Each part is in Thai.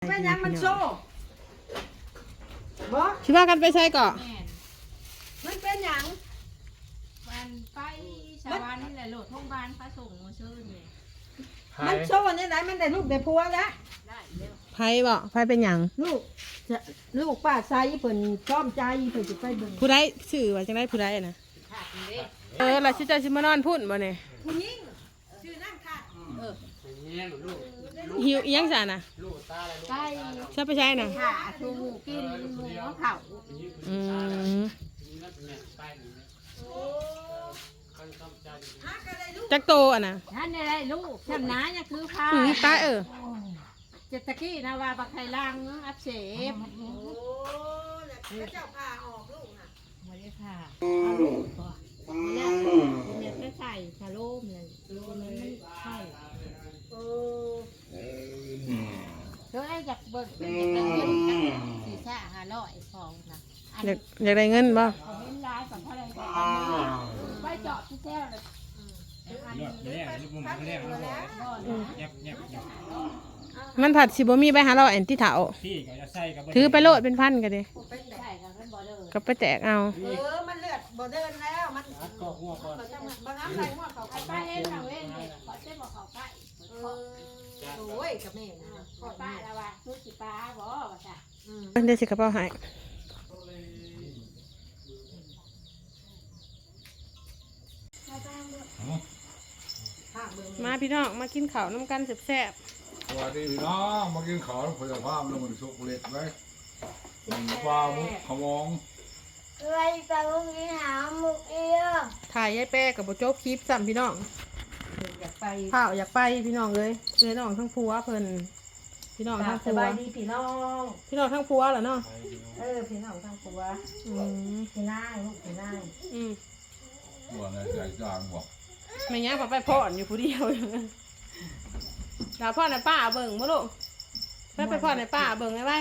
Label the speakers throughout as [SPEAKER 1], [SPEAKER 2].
[SPEAKER 1] เป็นยังมันโซ่บ่
[SPEAKER 2] คิดว่ากันไปใช้ก่อ
[SPEAKER 1] มันเป็นยัง
[SPEAKER 3] วันไปชาวบ้านนี่แหละโหลดโรงพยาบาลพระสงฆ์มาเชิญเลย
[SPEAKER 1] มันโซ่เนี่ยไหนมันได้ลูกได้ผัวแล้ว
[SPEAKER 3] ได้เร็ว
[SPEAKER 2] ไผบ่ไผเป็นหยัง
[SPEAKER 1] ลูกป้าใส่เพิ่นชอบใจเพิ่นสิไปเบิ่ง
[SPEAKER 2] ผู้ใดชื่อว่าจังได๋ผู้ใดน่ะ
[SPEAKER 3] ขาดเด้
[SPEAKER 2] ล่ะสิเจ้าสิมานอนพุ่นบ่นี่
[SPEAKER 1] ผู้หญิงชื่อนั่งค่ะ
[SPEAKER 2] หิวอีหยังซะน่ะ
[SPEAKER 3] ใกล้
[SPEAKER 2] ซะไปใช้น่ะ
[SPEAKER 3] ขาชูหมูกินหมูเผา
[SPEAKER 2] อืมจักโตอ่ะน่ะ
[SPEAKER 3] ท่านได้ลูกชำนาญเนี่ยคือพา
[SPEAKER 2] ตาย
[SPEAKER 3] เจตะกี้นะว่าบักไข่ลังอักเสบ
[SPEAKER 1] โอ้แล้วเจ้าพาออกลูกน่ะ
[SPEAKER 3] ไม่ได้ค่ะเอาลูกก่อนแล้วเนี่ยก็ใส่ชะโลมเลยตัวนั้นไม่ใช่
[SPEAKER 1] โอ้
[SPEAKER 3] เดี๋ยวไอ้อยากเบิกเป็นอยากได้เงินกันสี่ซ่า500ฟองนะอัน
[SPEAKER 2] อยากได้เงินบ่
[SPEAKER 3] เขาเห็นร้ายกับเท่าไรก็ไปจอดที่แท้เลยอันนี้
[SPEAKER 1] พักเองแล้ว
[SPEAKER 2] มันผัดสิบ่มีใบหาเราแอนที่เถา
[SPEAKER 4] พี่ก็จะใส่กับ
[SPEAKER 2] ถือไปโลดเป็นพันก็ดิ
[SPEAKER 1] เป็นแบ
[SPEAKER 3] ใช่
[SPEAKER 1] บ
[SPEAKER 3] ค่ะท่านบอกเลย
[SPEAKER 2] ก็ไปแตกเอา
[SPEAKER 1] มันเลือดบ่เดินแล้วมัน
[SPEAKER 4] ก็หัวก่อน
[SPEAKER 1] เขาจะมาบางน้ำใส่หัวเขา
[SPEAKER 3] ไอ้ป้าเองทางเว้นเนี่ยขอเส้นบอกเขาใกล้
[SPEAKER 1] โอ้ยกับแม่นะ
[SPEAKER 3] ขอป้าแล้วว่าทุกสิป้าบอกว่าจ้ะ
[SPEAKER 2] เดี๋ยวสิกระเป๋าหายมาพี่น้องมากินข้าวน้ำกันแซ่บ
[SPEAKER 5] สวัสดีพี่น้องมากินข้าวผลิตภาพน้ำมันสุกเล็กไว้ปลาหมุกขมอง
[SPEAKER 6] อะไรไปพรุ่งนี้หาหมุกเอีย
[SPEAKER 2] ๆถ่ายยายแป้กับโบโจ๊กคลิปซ้ำพี่น้อง
[SPEAKER 1] อยากไป
[SPEAKER 2] ข้าวอยากไปพี่น้องเลยพี่น้องทั้งผัวเพิ่นพี่น้องทั้ง
[SPEAKER 1] ส
[SPEAKER 2] ผัว
[SPEAKER 1] บายดีพี่น้อง
[SPEAKER 2] พี่น้องทั้งผัวเหรอเนาะ
[SPEAKER 1] พี่น้องทั้งตัว
[SPEAKER 2] อืม
[SPEAKER 1] พี่นายลูกพี่นาย
[SPEAKER 2] อืม
[SPEAKER 5] หัวในใจจางบอก
[SPEAKER 2] ไม่งั้นพอไปพ่อนอยู่ผู้เดียวดาวพ่อในป้าเบิ่งมั้ลูกไปพ่อในป้าเบิ่งไงไป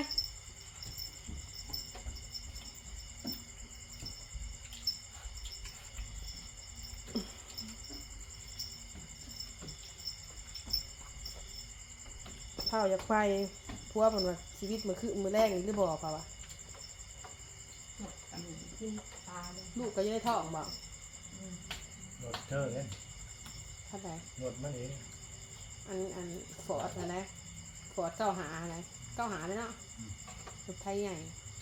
[SPEAKER 2] เผาอยากไปพัวมันว่าชีวิตมันคือมือแรกนี่หรือบอกเปล่าวะ
[SPEAKER 1] กินปลาเลย
[SPEAKER 2] ลูกก็ยังได้ท้องบอก
[SPEAKER 4] หนวดเธอเลย
[SPEAKER 2] ท่านใด
[SPEAKER 4] หนวดมันเอง
[SPEAKER 2] อันฟอร์ดนะฟอร์ดเก้าหาอะไรเก้าหาเลยเนาะรถไทยใหญ่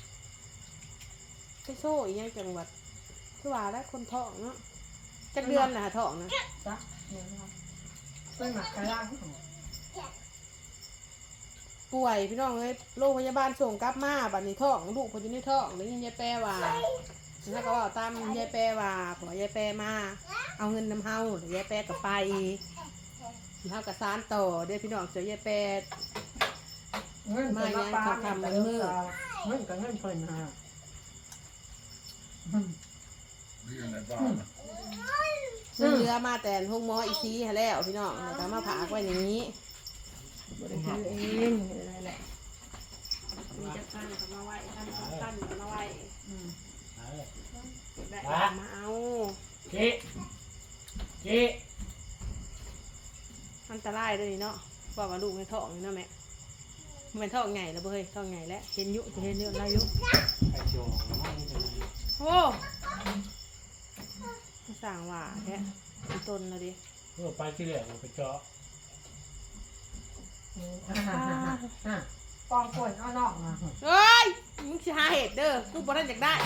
[SPEAKER 2] ไปโซ่อีกอย่างจังหวัดคือว่าแล้วคนท้องเนาะจักเดือนนะท้องนะ
[SPEAKER 1] จ้ะเนี่ยนะครับเป็นหมักกระลัง
[SPEAKER 2] ป่วยพี่น้องเลยโรงพยาบาลส่งกลับมาบัดนี้ท้องลูกคนอยู่ในท้องแล้วยายแปรว่าแล้วก็ว่าตามยายแปรว่าขอยายแปรมาเอาเงินนำเฮาเดี๋ยวยายแปรก็ไปเฮากับซานต่อเดี๋ยวพี่น้องเจอยายแปร
[SPEAKER 1] เงินเป็นมาปลาเงินกับเงินเพิ่นฮะ
[SPEAKER 5] นี่ในบ้าน
[SPEAKER 2] เรือมาแต่ห้องหมออีซีให้แล้วพี่น้องแล้วก็มาผากไว้อย่างนี้
[SPEAKER 1] บริหารเองอะไรแหละ
[SPEAKER 2] มีจักตั้นก็มาไว้ตั้นก็มาไว้ได้มาเอา
[SPEAKER 4] เก๊เก๊
[SPEAKER 2] อันตรายเลยเนาะว่าลูกในท้องนี่เนาะแม่มันท้องใหญ่แล้วเบ้ยท้องใหญ่แล้วเห็นยุจะเห็นเยอะไรยุ
[SPEAKER 4] ไข่เจียว
[SPEAKER 2] โอ้สั่งว่าแค่ต้นนะดิ
[SPEAKER 4] เมื่อไปที่แรกเราไปเจาะ
[SPEAKER 1] กองป่วยเอานอกมา
[SPEAKER 2] เฮ้ยมึงสิหาเห็ดเด้อกูบ่ได้อยากได้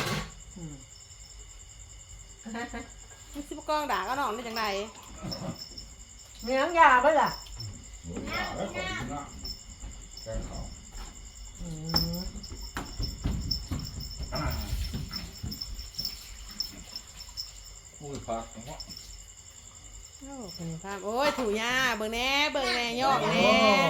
[SPEAKER 2] มึงสิบกองด่าก็น้องได้จังได
[SPEAKER 1] มีน้ำยาป่ะล่ะ
[SPEAKER 5] หมูยาแล้วของกินนะแกงข้าวอุ้ยผักของพ่อ
[SPEAKER 2] โอ้เป็นภาพโอ้ยถูยาเบิ่งแหน่ยอกแหน่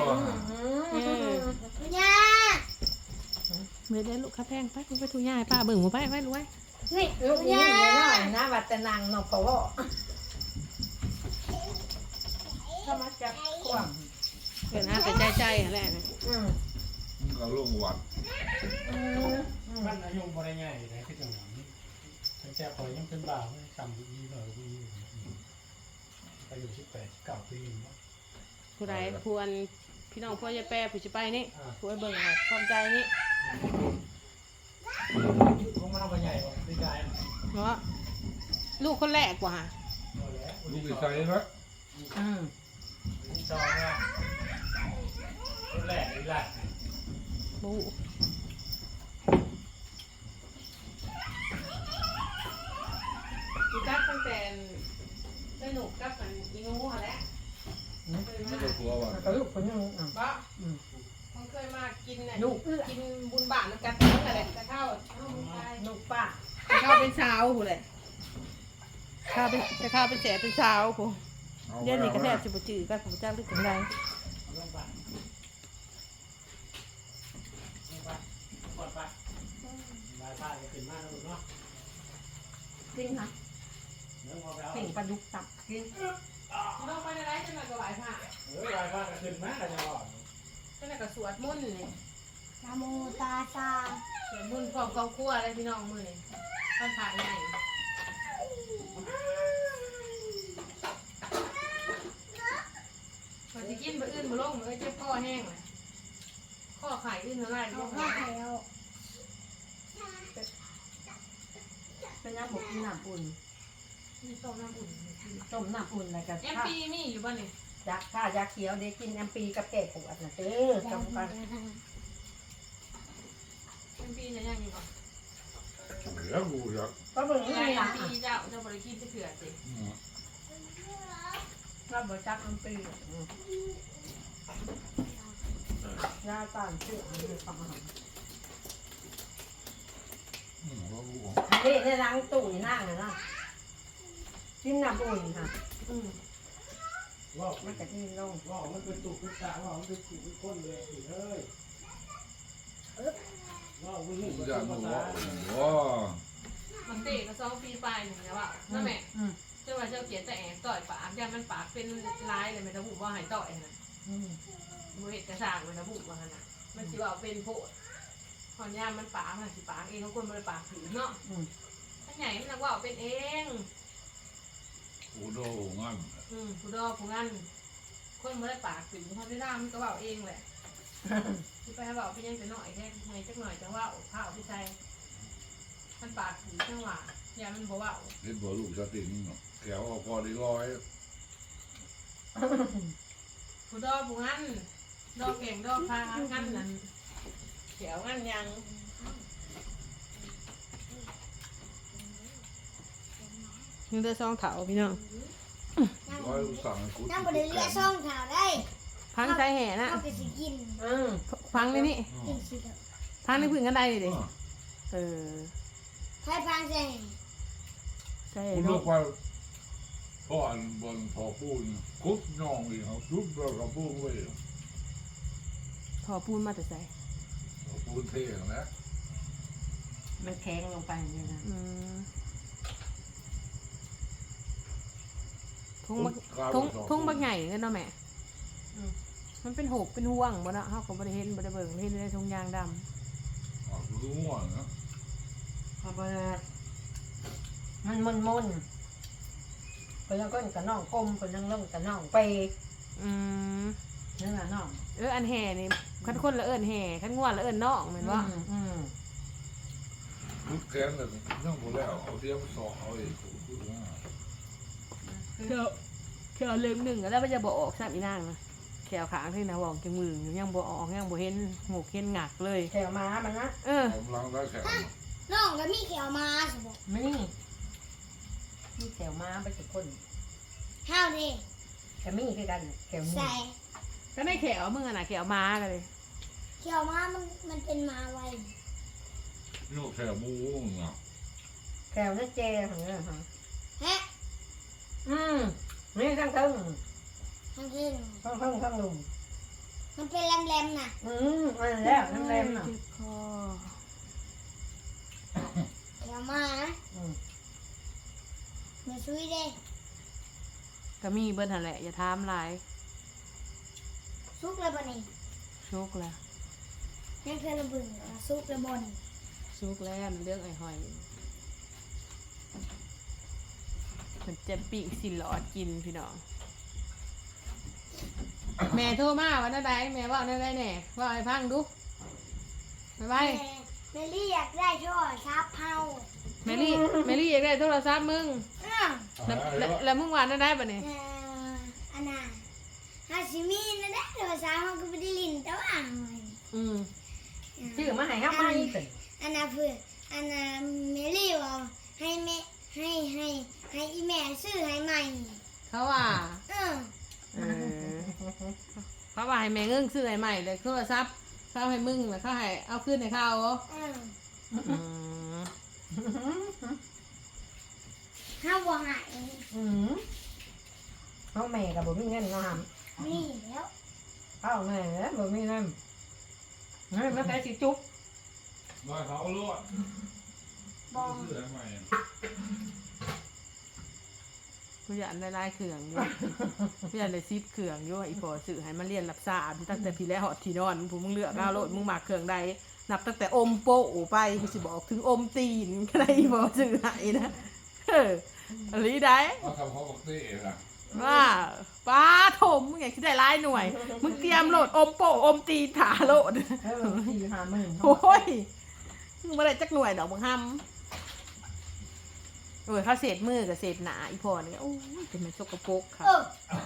[SPEAKER 6] ย่า
[SPEAKER 2] เมื่อได้ลูกข้าแพงไปกูไปถูยาให้ป้าเบิ่งหัวไปรวย
[SPEAKER 6] นี่
[SPEAKER 1] ลูกนี่น้อยนะวัดตะนังนกกระวอถ้ามาจากกว้าง
[SPEAKER 2] เกินหาแต่ใจอะไรนะ
[SPEAKER 5] มันก็ลงวัด
[SPEAKER 4] มันอายุบ่ได้ง่ายเลยที่จังหวัดนี้ตั้งแต่คอยยังเป็นบ่าวทำดีหน่อยดีอายุ18 19 ปี
[SPEAKER 2] ผู้ใดควรพี่น้องพ่อยายแปรผู้สิไปนี่ผู้ไอ้เบิ่งเอาความใจนี่
[SPEAKER 4] ลงมาทำใหญ่กว่าดีใจ
[SPEAKER 2] เนาะลูกคนแรกกว่า
[SPEAKER 5] ลูกอีใส่ไหม
[SPEAKER 4] จองเนี่ยรุ่นแรกนี่แหละ
[SPEAKER 2] บูกัดตั้งแต่ได้หนุกกับมันอีงูหะแหละ
[SPEAKER 5] ไม่ได้กลัวว่ะ
[SPEAKER 1] กระลูกคนนึงอ่ะ
[SPEAKER 2] บ่มันเคยมากินน่ะ
[SPEAKER 1] ลูกเอื้อ
[SPEAKER 2] กินบุญบาทมันกัดทั้งนั่นแหละจะเข้า
[SPEAKER 1] ลูกป้า
[SPEAKER 2] จะเข้าเป็นเช้าผู้เลยข้าวเป็นจะเข้าเป็นแสบเป็นเช้าผู้เดี๋ยวนี้ก็แทบสิบ่จืดกันผมเจ้าลึกถึงใด
[SPEAKER 4] ลงไปก่อนไปบายป้าจะขึ้นมาแล้วเนาะ
[SPEAKER 1] กินค่ะ
[SPEAKER 4] เนื้อพอไปเอา
[SPEAKER 1] เพ่งปลาดุกตับกิน
[SPEAKER 2] น้องไปในไรจะมากระไหวผ้า
[SPEAKER 4] บายป้าจะขึ้นมาแล้วจะรอด
[SPEAKER 2] จะมากระสวดมนต์นี่
[SPEAKER 6] นะโมตาซา
[SPEAKER 2] สวดมนต์พร้อมกองครัวอะไรพี่น้องมือนี่ท่านผ่านใหญ่พอจะกินไปอื่นมาลงมันก็เจ็บคอแห้งเลยข้อไข่อื่นอะไร
[SPEAKER 6] เอา
[SPEAKER 2] เรียก
[SPEAKER 6] ข้า
[SPEAKER 2] ว่า
[SPEAKER 6] แล้ว
[SPEAKER 1] เป็นน้ำหมกน้ำอุ่น
[SPEAKER 2] มีต้มน้ำอุ่น
[SPEAKER 1] ต้มน้ำอุ่นอะไรกัน
[SPEAKER 2] แอมปีมีอยู่บ้านนี่
[SPEAKER 1] ยาถ้ายาเขียวเด็กกินแอมปีกับแก้ปวดนะเด้อจำกัน
[SPEAKER 2] แอมปีเนี่ยยังอยู่บ่
[SPEAKER 5] เดี๋ยวกูจะ
[SPEAKER 1] ก็เบิ่ง
[SPEAKER 2] ใช่
[SPEAKER 1] นี่
[SPEAKER 2] แอ
[SPEAKER 1] ล่ะ
[SPEAKER 2] มปีเจ้าบริกินจะเถื่อสิ
[SPEAKER 1] เราบ่จักแอมปียาต้านเชื้อในความอาหาร
[SPEAKER 5] ว่ากู
[SPEAKER 1] นี่ในล้างตู้นี่นั่งเลยนะกินน้ำอุ่นค่ะ
[SPEAKER 4] ว่า
[SPEAKER 1] มันจะกินลง
[SPEAKER 4] ว่ามันเป็นตุกเป็นตาว่ามันเป็นตุกเป็นก้นเลยเฮ้ยว่าวิ่ง
[SPEAKER 5] กูจะมึงว่า
[SPEAKER 2] มันเตะก็2 ปีไปหนึ่งแล้วอ่ะนั่นแหละเจ้าว่าเจ้าเขียนแต่แอบต่อยปากยันมันปากเป็นลายเลยมันระบุว่าหายต่อยนะมือเห็ดกระสางมันระบุว่านะมันสิว่าเป็นโพดหอนยามมันปากมันสิปากเองเขาคนมันปากผิวเนาะถ้าใหญ่มันว่าเป็นเอง
[SPEAKER 5] กูโดงั้น
[SPEAKER 2] ผู้ดอผู้งั้นคนมันได้ปากผิวเขาได้ร่างมันก็ว่าเองแหละที่ไปให้ว่าเป็นยังแต่หน่อยแค่ไงจักหน่อยจังว่าผ้าพี่ชายมันปากผิวจังหวะยามันบอกว่า
[SPEAKER 5] เห็นบ่ลูกสติงแกวพอได้ร้อย
[SPEAKER 2] ผู้ดอผู้งั้นดอเก่งดอพางั้นนั่นเขียวงั้นยัง ยังได้ซองเถาพี่น้อง
[SPEAKER 5] ร้อยสั่งกู
[SPEAKER 6] นั่งบริเวณซ่องข่าวได้
[SPEAKER 2] พังใช้แห่นะ
[SPEAKER 6] เข้าไปสิกิน
[SPEAKER 2] พังในนี่
[SPEAKER 6] กินสิเถอะ
[SPEAKER 2] พังในพื้นกันได้ดิเออ
[SPEAKER 6] ใครฟังเสียง
[SPEAKER 2] ใช่
[SPEAKER 5] กูเลื
[SPEAKER 2] เนาะ
[SPEAKER 5] อกไปพ่ออันบนพอปูนคุบน้องอีกเขาทุบเรากับปูนไว้
[SPEAKER 2] ถอปูนมาแต่ใส่
[SPEAKER 5] ปูนเท่งแล้ว
[SPEAKER 1] มันแข็งลงไปอย่างนี้นะ
[SPEAKER 2] ทุ่งบักทุ่งบักใหญ่เงินเนาะแม่มันเป็นหกเป็นห่วงบ่เนาะเฮาก็บ่ได้เห็นบ่ได้เบิ่งเห็นในทุ่งยางดำ
[SPEAKER 5] รู้ว่านะ
[SPEAKER 1] พอเปิดมันมนคนยังก้นกับน้องกลมคนยังลงกับน้องเปย์นั่นแหละน้อง
[SPEAKER 2] อันแห่นี่คันคนละเอิ้นแห่คันง่วนละเอิ้นน้องแม่นบ่
[SPEAKER 5] ทุกแค้นเลยนั่งหมดแล้วเอาเทียมสองเอาอีกกูว่า
[SPEAKER 2] แค่เล่มหนึ่งแล้วมันจะบ่ออกซ้ํอีนางนะแขวขางที่นะบอกจังมือยังบ่ออกยังบ่เห็นหมกเห็นงักเลย
[SPEAKER 1] แถวม้ามันนะ
[SPEAKER 5] ผมล้างได้แข็ง
[SPEAKER 6] น้องก็มีเขียวมาสมบอก
[SPEAKER 1] ไม่มีแถวม้าไปทุกคน
[SPEAKER 6] ห้าวดิ
[SPEAKER 1] แต่มีคือกันแถวนี้
[SPEAKER 6] ใส่
[SPEAKER 2] ก็ได้แขวมึงน่ะแขวม้ากันเลย
[SPEAKER 6] เขียวมามันเป็นมาไว
[SPEAKER 5] นี่แค่มูเนาะ
[SPEAKER 1] แถวนั่นเจของเนี่ยฮะ
[SPEAKER 6] ฮะ
[SPEAKER 1] นี่ข้างตึ้ง
[SPEAKER 6] ทั้งคืน
[SPEAKER 1] ข้างลุม
[SPEAKER 6] มันเป็นแหลมๆน่ะ
[SPEAKER 1] มันแล้วน้ำแรงน่ะ
[SPEAKER 2] คอ
[SPEAKER 6] เขียวมามาช่วยเด้
[SPEAKER 2] ก็มีเบิ้ลหั่นแหละอย่าถามหลาย
[SPEAKER 6] ซุกแล้วบ่นี่
[SPEAKER 2] ชุกแล้ว
[SPEAKER 6] ยังเคยระเบึงซุกแล้วบ่นี่
[SPEAKER 2] ชุกแล้วมันเรื่องไอ้หอยมันจะปีกสิหลอดกินพี่น้องแม่โทรมาวันนั้นใดแม่ว่าวันนั้นใดแน่ว่าให้ฟังดูไปไป
[SPEAKER 6] เมลี่อยากได้โทรศัพท์เฮา
[SPEAKER 2] แมรี่อยากได้โทรศัพท์มึง
[SPEAKER 6] อ้าว
[SPEAKER 2] แล้วมึงว่าได้ปะเนี่ย
[SPEAKER 6] อันน่ะฮาชิมินะได้โทรศัพท์เฮาก็บ่ได้ลิ้นแต่ว่า
[SPEAKER 2] อืม
[SPEAKER 1] ชื่อมาให้ครับมาอีกเป็น
[SPEAKER 6] อันน่ะเพื่ออันน่ะเมลี่ว่าให้แม่ให้อีแม่ซื้อให้ใหม่
[SPEAKER 2] เขาว่า
[SPEAKER 6] เออ
[SPEAKER 2] เออเขาว่าให้แม่เงิ่งซื้อให้ใหม่เลยโทรศัพท์เขาให้มึงแล้วเขาให้เอาขึ้นให้เขาเหรอ
[SPEAKER 6] เออ
[SPEAKER 2] อืม
[SPEAKER 6] เฮาบ่ให้
[SPEAKER 1] น้องแม่กับบ่มีเงินเนาะ
[SPEAKER 6] มีแล้ว
[SPEAKER 1] เอาแม่บ่มีเงินนี่มันแต่สิจุ๊บ
[SPEAKER 5] มาเขาลวด
[SPEAKER 6] บ่
[SPEAKER 5] ซื้อให้ใหม่
[SPEAKER 2] กูอยากได้ลายเขื่องอยู่กูอยากได้ซีดเขื่องอยู่อีพอสื่อให้มันเรียนรับทราบตั้งแต่พี่แล้วหอดที่นอนผู้มึงเลือกเอาโลดมึงมาเขื่องใดนับตั้งแต่อมโปะไปกูสิบอกถึงอมตีนก็ได้อีพอสื่อให้นะอะไรได้
[SPEAKER 5] มาทำเขาบอกเต้ล่ะ
[SPEAKER 2] ว่าป้าถมมึงอยากคิดได้ร้ายหน่วย มึงเตรียมโหลดอมโปะอมตีนถาโหลด
[SPEAKER 1] 4-5
[SPEAKER 2] โอ้ยมึงมาได้จักหน่วยดอกบังฮัมโอ้ยเขาเศษมือกับเศษหนาอีพอนี่โอ้ยเป็นมันสกปรกค่ะ
[SPEAKER 6] เออ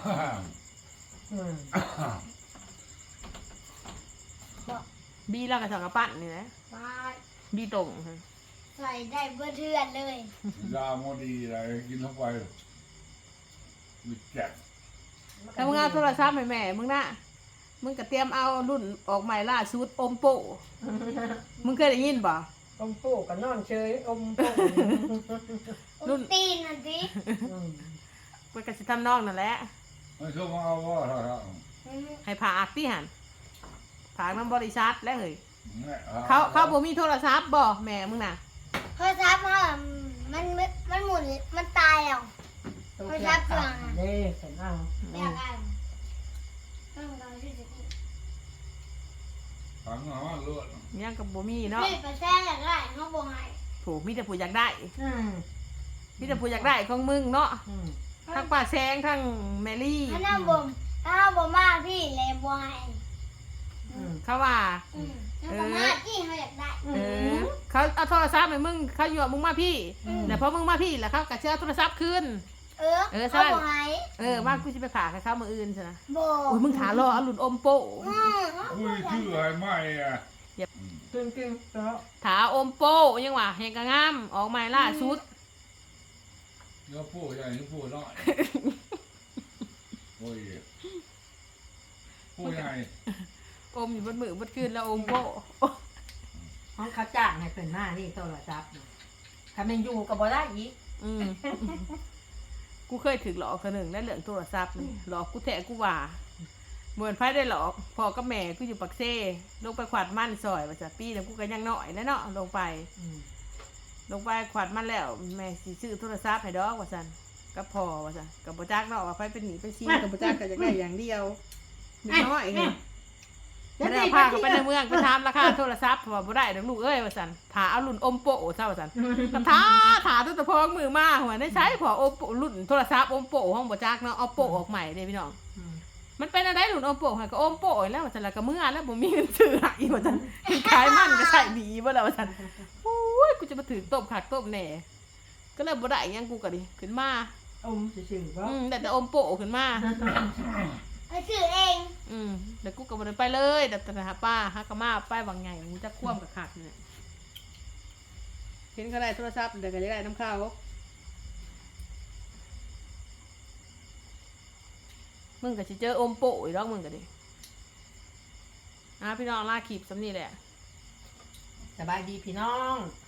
[SPEAKER 2] บีแล้วกับสังกะปั้นนี่นะ
[SPEAKER 6] ไป
[SPEAKER 2] บีตรง
[SPEAKER 6] ใส่ได้เบ่เทือนเลย
[SPEAKER 5] ยาโมดีอะไรกินเข้าไปมีแจก
[SPEAKER 2] ถ้ามึงเอาโทรศัพท์ให้แม่มึงนะมึงก็เตรียมเอารุ่นออกใหม่ล่าสุดอมโปะมึงเคยได้ยินป่ะ
[SPEAKER 1] อมโป้กับนอนเฉยอมโป้
[SPEAKER 6] รุ่นตีนนั่นสิ
[SPEAKER 2] มันก็จะทำนองนั่นแหละ
[SPEAKER 5] ไม่ชอบมาเอาว่าเท่าไหร่
[SPEAKER 2] ให้ผ่าอักที่หันผ่าน้ำบริษัทแล้วเฮ้ย
[SPEAKER 5] เนี่ย
[SPEAKER 2] เขาบ่มีโทรศัพท์บ่แม่มึงน่ะ
[SPEAKER 6] โทรศัพท์เฮามันหมุนมันตายแล้ว
[SPEAKER 1] เด้เห็นเอา
[SPEAKER 6] ไม่อยากอ่านต้องการที่จะกิน
[SPEAKER 5] ถังหัวลวด
[SPEAKER 2] ยังกับบ่มีเนาะ
[SPEAKER 6] นี่ไปแซ่อยากได้เฮาบ่ให้
[SPEAKER 2] ถูกมีแต่ผู้อยากได้
[SPEAKER 1] อืม
[SPEAKER 2] มีแต่ผู้อยากได้ของมึงเนาะ
[SPEAKER 1] อืม
[SPEAKER 2] ทั้งป้าแซงทั้งแมรี่
[SPEAKER 6] ถ้าเฮาบ่มาพี่เลยบ่ให้
[SPEAKER 1] อืม
[SPEAKER 2] เขาว่า
[SPEAKER 6] ถ้าบ่มาพี่เฮาอยากได้
[SPEAKER 2] เออเขาเอาโทรศัพท์ให้มึงเขาอยู่กับมึงมาพี่แต่พอมึงมาพี่แล้วเขาก็เชื่อโทรศัพท์คืน
[SPEAKER 6] เฮาบ่ให้
[SPEAKER 2] ว่ากูจะไปผ่าให้เขามืออื่นใช่ไหม
[SPEAKER 6] บ่
[SPEAKER 2] โอ้ยมึงถารอเอาหลุนอมโปะ
[SPEAKER 5] อุ้ยชื่ออะไรไม่อ่ะ
[SPEAKER 1] กินแล้ว
[SPEAKER 2] ถาอมโปะยังว่าเฮงกะงามออกใหม่ล่าสุด
[SPEAKER 5] เนื้อผู้ใหญ่เนื้อผู้น้อยโอ้ยผู้ใหญ่
[SPEAKER 2] อมอยู่บนมือบนคืนแล้วอมโปะ
[SPEAKER 1] ห้องเขาจ้างให้เป็นหน้านี่โทรศัพท์ถ้ามันอยู่ก็บ่ได้อีก
[SPEAKER 2] อืมกูเคยถึงหลอกคนหนึ่งได้เหลืองโทรศัพท์นี่หลอกกูแทะกูว่าเหมือนไพ่ได้หลอกพอกับแม่กูอยู่ปักเซ่ลงไปขวาดมันซอยมาจากปีแล้วกูก็ยังน้อยนะเนาะลงไปขวาดมันแล้วแม่สิซื้อโทรศัพท์ให้ดอกว่าซั่นก็พอว่าซั่นกับบ่จักเนาะว่าไผเป็นหนีเป็นซีกับบ่จักก็อยากได้อย่างเดียวนิดน้อยไงไม่ได้พาเขาไปในเมืองไปถามราคาโทรศัพท์ว่าบ่ได้ดอกลูกเอ้ยว่าซั่นถ้าเอารุ่นอมโปะซะว่าซั่นถาตั้งแต่พองมือมาหัวได้ใช้พออมโปะรุ่นโทรศัพท์อมโปะห้องบ่จักเนาะเอาโปะออกใหม่เด้พี่น้องมันเป็นอะไรหลุนอมโปะให้ก็อมโปะแล้วว่าซั่นแล้วก็เมื่อแล้วบ่มีเงินซื้อให้ว่าซั่นขายมันก็ใส่ดีบ่แล้วว่าซั่นโอ้ยกูจะมาถือต้มคักต้มแหน่ก็เลยบ่ได้หยังกูก็ดิขึ้นมา
[SPEAKER 1] อมซื่อๆบ่
[SPEAKER 2] แต่อมโปะขึ้นมา
[SPEAKER 6] ไปซื้อเอง
[SPEAKER 2] แล้วกูก็บ่ได้ไปเลยแต่หาป้าหากะมาไปบางใหญ่มึงจะคว่ำกับคักเนี่ยเห็นเขาได้โทรศัพท์เดี๋ยวก็จะได้น้ำข้าวมึงก็สิเจออมโปะอีกรอบมึงก็ดิพี่น้องลาคลิปสำนี่แหละ
[SPEAKER 1] สบายดีพี่น้อง